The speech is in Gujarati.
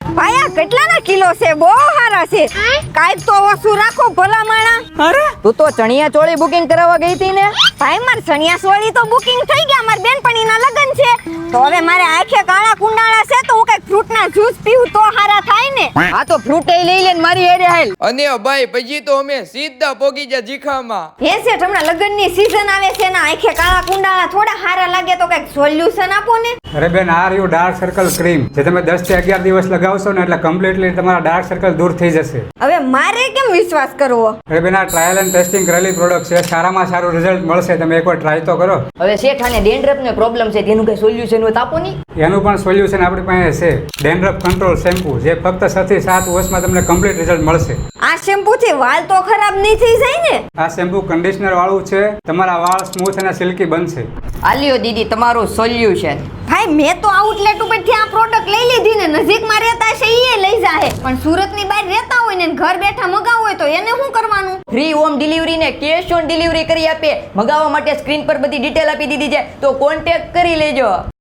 ભાઈ આ કેટલાના કિલો છે? બહુ સારા છે. કાઈ તો ઓછું રાખો ભલા માણા. અરે તું તો ચણિયા ચોળી બુકિંગ કરાવવા ગઈ હતી ને? ભાઈ માર ચણિયા ચોળી તો બુકિંગ થઈ ગયા. માર બેનપણીના લગન છે તો હવે મારે આંખે કાળા કુંડાળા છે તો હું કઈક ફ્રૂટના જ્યુસ પીવું તો સારા થાય ને. આ તો ફ્રૂટ લઈ લે ને મારી હેડે હાલ. અને ભાઈ પછી તો અમે સીધા પોગી ગયા જીખામાં. હે શેઠ, હમણાં લગનની સીઝન આવે છે ને આંખે કાળા કુંડાળા થોડા સારા લાગે તો કઈક સોલ્યુશન આપો ને. અરે બેન, આ રહ્યું ડાર્ક સર્કલ ક્રીમ, જે તમે 10 થી 11 દિવસ લગાવશો ને એટલે કમ્પ્લીટલી તમારા ડાર્ક સર્કલ દૂર થઈ જશે. હવે મારે કેમ વિશ્વાસ કરવો? અરે બેન, આ ટ્રાયલ એન્ડ ટેસ્ટિંગ કરેલી પ્રોડક્ટ છે, સારામાં સારું રિઝલ્ટ મળશે. તમે એકવાર ટ્રાય તો કરો. હવે શેઠ આને ડેન્ડ્રફ ને પ્રોબ્લેમ છે, તેનું કઈ સોલ્યુશન હોય તો આપો ની. એનું પણ સોલ્યુશન આપણી પાસે છે. ડેન્ડ્રફ કંટ્રોલ શેમ્પુ, જે ફક્ત 6 થી 7 વર્ષમાં તમને કમ્પ્લીટ રિઝલ્ટ મળશે. આ શેમ્પુ થી વાળ તો ખરાબ નહીં થઈ જાય ને? આ શેમ્પુ કન્ડિશનર વાળું છે, તમારા વાળ સ્મૂથ અને સિલ્કી બનશે. આલ્યો દીદી તમારું સોલ્યુશન. ભાઈ મેં તો આઉટલેટ ઉપરથી આ પ્રોડક્ટ લઈ લીધી ને, નજીકમાં રહેતા છે એ લઈ જાહે, પણ સુરતની બહાર રહેતા હોય ને ઘર બેઠા મગાવવું હોય તો એને શું કરવાનું? ફ્રી હોમ ડિલિવરી ને કેશ ઓન ડિલિવરી કરી આપે. મગાવવા માટે સ્ક્રીન પર બધી ડિટેલ આપી દીધી છે, તો કોન્ટેક્ટ કરી લેજો.